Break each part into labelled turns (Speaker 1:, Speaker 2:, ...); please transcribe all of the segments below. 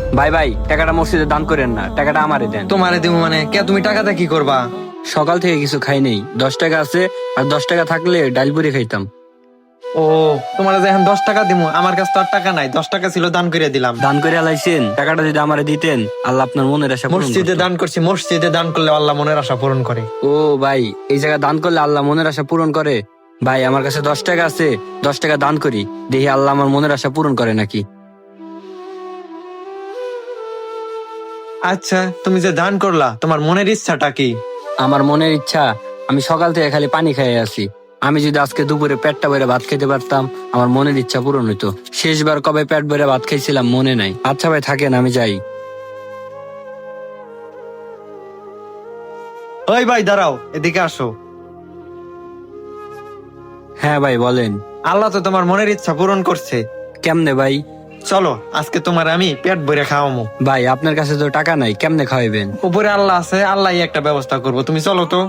Speaker 1: ভাই ভাই, টাকাটা মসজিদে দান করেন না, টাকাটা আমারে দেন।
Speaker 2: তোমারে দিব মানে কে? তুমি টাকাটা কি করবা?
Speaker 1: সকাল থেকে কিছু খাই নেই, 10 টাকা আছে, আর 10 টাকা থাকলে ডাল পুরি খাইতাম।
Speaker 2: ও, তোমার যে এখন 10 টাকা দিব, আমার কাছে তো আর টাকা নাই। 10 টাকা ছিল, দান করে দিলাম।
Speaker 1: দান করে আলাইছেন, টাকাটা যদি আমারে দিতেন, আল্লাহ আপনার মনের আশা পূরণ
Speaker 2: মসজিদে
Speaker 1: করতো।
Speaker 2: দান করছি, মসজিদে দান করলে আল্লাহ মনের আশা পূরণ করে।
Speaker 1: ও ভাই, এই জায়গা দান করলে আল্লাহ মনের আশা পূরণ করে? ভাই আমার কাছে 10 টাকা আছে, 10 টাকা দান করি, দেখি আল্লাহ আমার মনের আশা পূরণ করে নাকি।
Speaker 2: আচ্ছা, তুমি যে দান করলা, তোমার মনের ইচ্ছাটা কি?
Speaker 1: আমার মনের ইচ্ছা, আমি সকাল থেকে খালি পানি খেয়ে আছি। আমি যদি আজকে দুপুরে পেটটা ভরে ভাত খেতে পারতাম, আমার মনের ইচ্ছা পূরণ হইতো। শেষবার কবে পেট ভরে ভাত খাইছিলাম মনে নাই। আচ্ছা ভাই থাকেন, আমি যাই।
Speaker 2: ওই ভাই দাঁড়াও, এদিকে আসো।
Speaker 1: হ্যাঁ ভাই বলেন।
Speaker 2: আল্লাহ তো তোমার মনের ইচ্ছা পূরণ করছে।
Speaker 1: কেমনে ভাই?
Speaker 2: চলো, আজকে তোমার আমি পেট ভরে খাওয়ামো।
Speaker 1: ভাই আপনার কাছে তো টাকা নাই, কেমনে খাওয়াইবেন?
Speaker 2: উপরে আল্লাহ আছে, আল্লাহ একটা ব্যবস্থা করবো। তুমি চলো তো।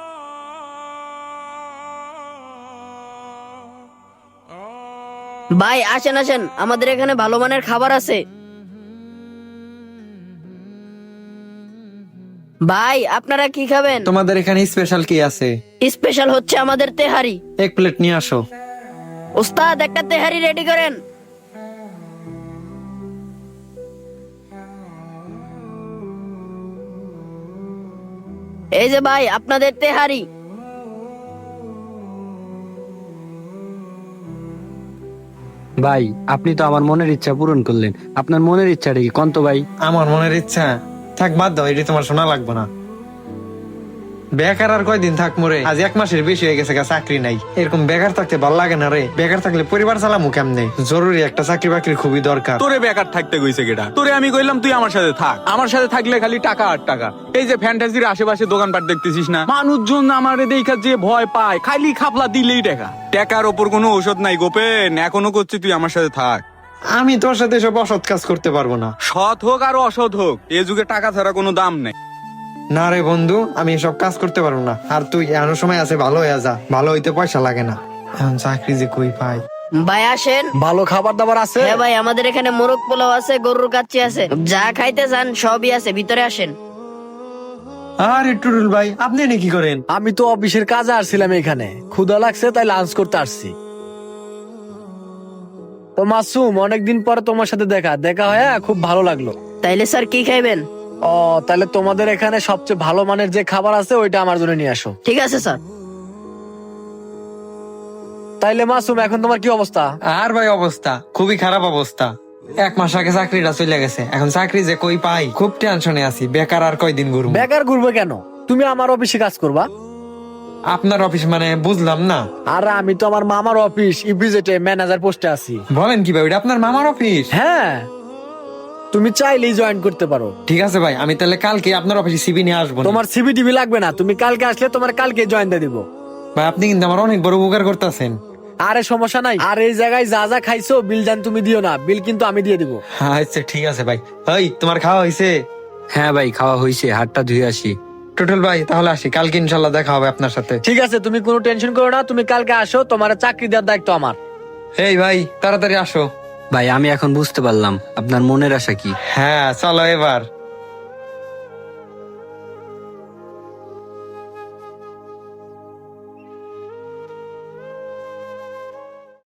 Speaker 3: ভাই আসেন আসেন, আমাদের এখানে ভালো মানের খাবার আছে। ভাই আপনারা কি খাবেন?
Speaker 2: তোমাদের এখানে স্পেশাল কি আছে?
Speaker 3: স্পেশাল হচ্ছে আমাদের তেহারি।
Speaker 2: এক প্লেট নিয়ে আসো।
Speaker 3: ওস্তাদ একটা তেহারি রেডি করেন। এই যে ভাই আপনাদের তেহারি।
Speaker 1: ভাই আপনি তো আমার মনের ইচ্ছা পূরণ করলেন, আপনার মনের ইচ্ছাটা কি কন্ত ভাই?
Speaker 2: আমার মনের ইচ্ছা থাক, বাদ দাও, এটি তোমার শোনা লাগবে না। বেকার আর কয়দিন থাক মোরে, আজ 1 মাসের বেশি হয়ে গেছে, চাকরি নাই। এরকম বেকার থাকতে ভালো লাগে না রে। বেকার থাকলে পরিবার চালামু কেমনে? জরুরি একটা চাকরি বাকরি খুবই দরকার।
Speaker 4: তোরে বেকার থাকতে গইছে কেটা? তোরে আমি কইলাম তুই আমার সাথে থাক, আমার সাথে থাকলে খালি টাকা আর টাকা। এই যে ফ্যান্টাসির আশেপাশে দোকানপাট দেখতেছিস না, মানুষজন আমারে দেখা যে ভয় পায়, খালি খাপলা দিলেই টাকা। টাকার ওপর কোনো ঔষধ নাই গোপেন, এখনো করছি তুই আমার সাথে থাক।
Speaker 2: আমি তোর সাথে সব অসৎ কাজ করতে পারবো না।
Speaker 4: সৎ হোক আর অসৎ হোক, এ যুগে টাকা ছাড়া কোনো দাম নেই।
Speaker 2: না রে বন্ধু, আমি এসব কাজ করতে পারবো না। আর তুই এমন সময় আছে, ভালো হয়ে যা। ভালো হইতে পয়সা লাগে না, এখন চাকরি যে কই পাই।
Speaker 3: ভাই আসেন।
Speaker 5: ভালো খাবার দাবার আছে?
Speaker 3: হ্যাঁ ভাই, আমাদের এখানে মোরগ পোলাও আছে, গরুর কাচ্চি আছে, যা খাইতে চান সবই আছে, ভিতরে আসেন।
Speaker 2: আরে টুটুল ভাই, আপনি এনে কি করেন?
Speaker 5: আমি তো অফিসের কাজে আসছিলাম এখানে, ক্ষুধা লাগছে তাই লাঞ্চ করতে আসছি। তো মাসুম, অনেকদিন পরে তোমার সাথে দেখা হয়ে খুব ভালো লাগলো।
Speaker 3: তাইলে স্যার কি খাইবেন?
Speaker 5: ও, তাহলে তোমাদের এখানে সবচেয়ে ভালো মানের যে খাবার আছে ওইটা আমার জন্য নিয়ে আসো।
Speaker 3: ঠিক আছে স্যার।
Speaker 5: তাইলে মাসুম, এখন তোমার কি অবস্থা?
Speaker 2: আর ভাই অবস্থা খুবই খারাপ অবস্থা। 1 মাস আগে চাকরিটা চলে গেছে, এখন চাকরি যে কই পাই, খুব টেনশনে আছি। বেকার আর কয়দিন ঘুরবো?
Speaker 5: বেকার ঘুরবে কেন? তুমি আমার অফিসে কাজ করবা।
Speaker 2: আপনার অফিস মানে বুঝলাম না।
Speaker 5: আর আমি তো আমার মামার অফিস ইপিজেটে ম্যানেজার পোস্টে আছি।
Speaker 2: বলেন কি ভাই, ওটা আপনার মামার অফিস?
Speaker 5: হ্যাঁ, তুমি চাইলেই জয়েন করতে পারো।
Speaker 2: ঠিক আছে ভাই, আমি তাহলে কালকে আপনার অফিসে সিবি নিয়ে আসবো।
Speaker 5: তোমার সিভি টিভি লাগবে না, তুমি কালকে আসলে তোমার কালকে জয়েন দিয়ে দিব।
Speaker 2: ভাই আপনি কিন্তু আমার অনেক বড় উপকার করতেছেন।
Speaker 5: আরে সমস্যা নাই। আর এই জায়গায় যা যা খাইছো বিল জান তুমি দিও না, বিল কিন্তু আমি দিয়ে দিব।
Speaker 2: আচ্ছা ঠিক আছে ভাই। ওই তোমার খাওয়া হয়েছে?
Speaker 1: হ্যাঁ ভাই খাওয়া হয়েছে, হাতটা ধুয়ে আসি।
Speaker 2: টুটুল ভাই তাহলে আসি, কালকে ইনশাল্লাহ দেখা হবে আপনার সাথে।
Speaker 5: ঠিক আছে, তুমি কোনো টেনশন করো না, তুমি কালকে আসো, তোমার চাকরি দেওয়ার দায়িত্ব আমার।
Speaker 2: এই ভাই তাড়াতাড়ি আসো।
Speaker 1: ভাই আমি এখন বুঝতে পারলাম আপনার মনের আশা কি।
Speaker 2: হ্যাঁ চলো এবার।